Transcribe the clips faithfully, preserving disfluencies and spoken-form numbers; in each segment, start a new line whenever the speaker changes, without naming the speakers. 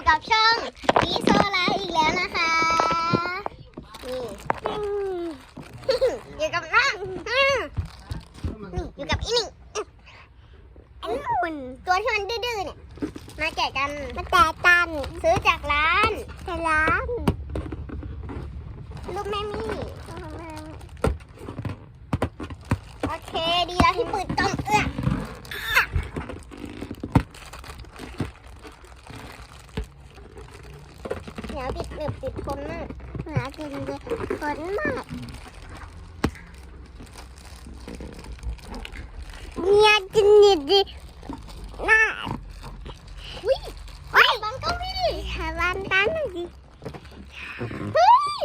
กับช่องพีโซลาอีกแล้วนะคะนี่อยู่กับน้องนี่อยู่กับอีนี่อันนู้นตัวที่มันดื้อๆเนี่ยมาแกะกันมาแกะกันซื้อจากร้านจากร้านลูกแม่มี่โอเคดีแล้วที่เปิดกล่องเอื้อเหนียวติดหนึบติดทนมากเหนียวติดติดทนมากเนี่ยจินดิดิน่าวิ่งวิ่งบังก็วิ่งหาบันกันหน่อยดิเฮ้ย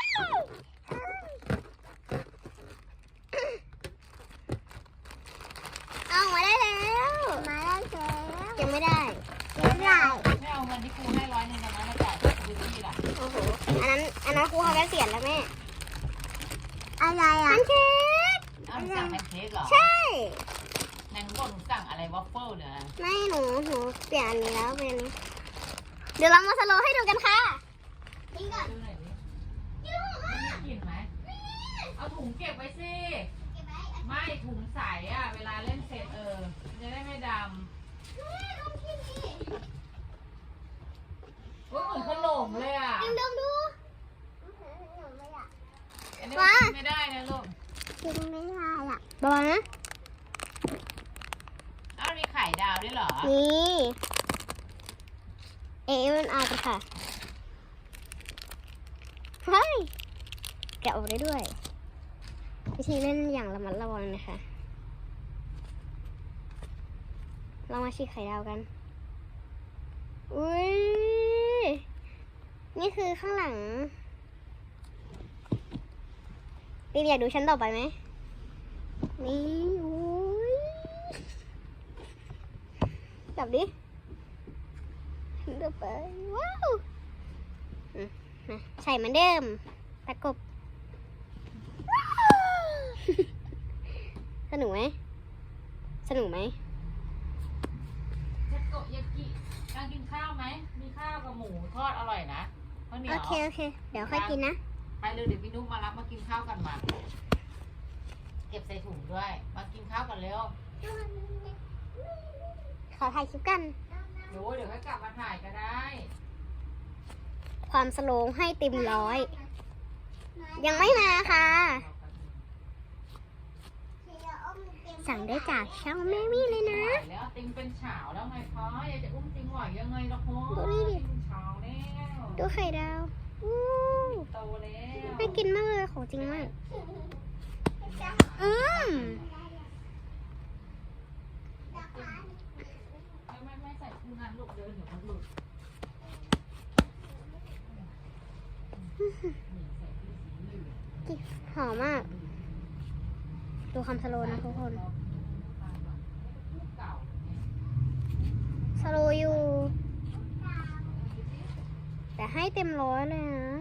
เอามาได้แล้วมาได้แล้วยังไม่ได้ยังไม่ได้
ไม่เอาเงินที่ครูให้ร้อยหนึ่งนะมาจ่ายดูที่ล่ะ
โอ้โหอันนั้นอันนั้นครูเขาได้เสียแล้วแม่อะไรอ่ะแพนเค้ก
เอาหนูสั่งแพนเค้กเหรอ
ใช่
นางบอกหนูสั่งอะไรวอฟเฟิลเนี่ย
ไม่หนูหนูเปลี่ยนอันนี้แล้วเป็นเดี๋ยวเรามาสโลว์ให้ดูกันค่ะกินก่อน
ดูหน่อยดิ
กินหอมมาก
กินไหมเอาถุงเก็บไว้สิไม่ถุงใสอ่ะเวลาเล่นเสร็จเออจะได้ไม่ดำโอ้ยเหมือนขนมเลยอ่ะ
ดมดมดู
อันนี้กินไม่ได้นะลูก
กินไม่ได้อ่ะบอลนะ
อ้าวมีไข่ดาวด้วยเหรอ
นี่เอเวนอาร์ค่ะเฮ้ยแกะออกได้ด้วยวิธีเล่นอย่างระมัดระวังนะคะเรามาฉีกไข่ดาวกันอุ้ยนี่คือข้างหลังพี่อยากดูชั้นต่อไปไหมนี่อุ้ยจับดิเดินไปว้าวใส่เหมือนเดิมตะกบสนุกไหมสนุกไหม
เทโกยากิการกินข้าวไหมมีข้าวกับหมูทอดอร่อยนะข้าวเหนียว
โอเคโอเคเดี๋ยวค่อยกินนะ
ไปเลยเดี๋ยวพี่นุ๊กมารับมากินข้าวกันมาเก็บใส่ถุงด้วยมากินข้าวกันเร็ว
ขอถ่ายคลิปกัน
เดี๋ยวเดี๋ยวให้กลับมาถ่ายก็ได้
ความสโลว์ให้เต็มร้อยยังไม่มาค่ะสั่งได้จากช่องแม่มี่เลยนะ
แล้วติงเป็นเฉาแล้วไงพ่ออยากจะอุ้มติงไหวยังไงล่ะพ่อ
ดูนี่ดิ
เฉาแล้ว
ดูไข่ดาวอู้
โตแล้ว
น่ากินมากเลยของจริงมากอืม
ไม่ไม่ไม่ใส่คู่งานลูกเดินเดี๋ยวมันหลุด
หอมมากดูคำสโลนะทุกคนสโลอยู่แต่ให้เต็มร้อยเลยนะ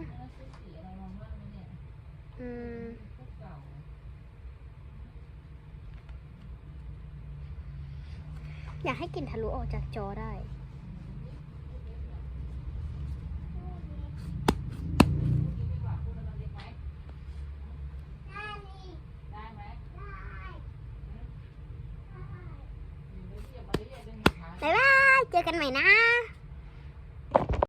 อืมอยากให้กลิ่นทะลุออกจากจอได้บ๊ายบายเจอกันใหม่นะ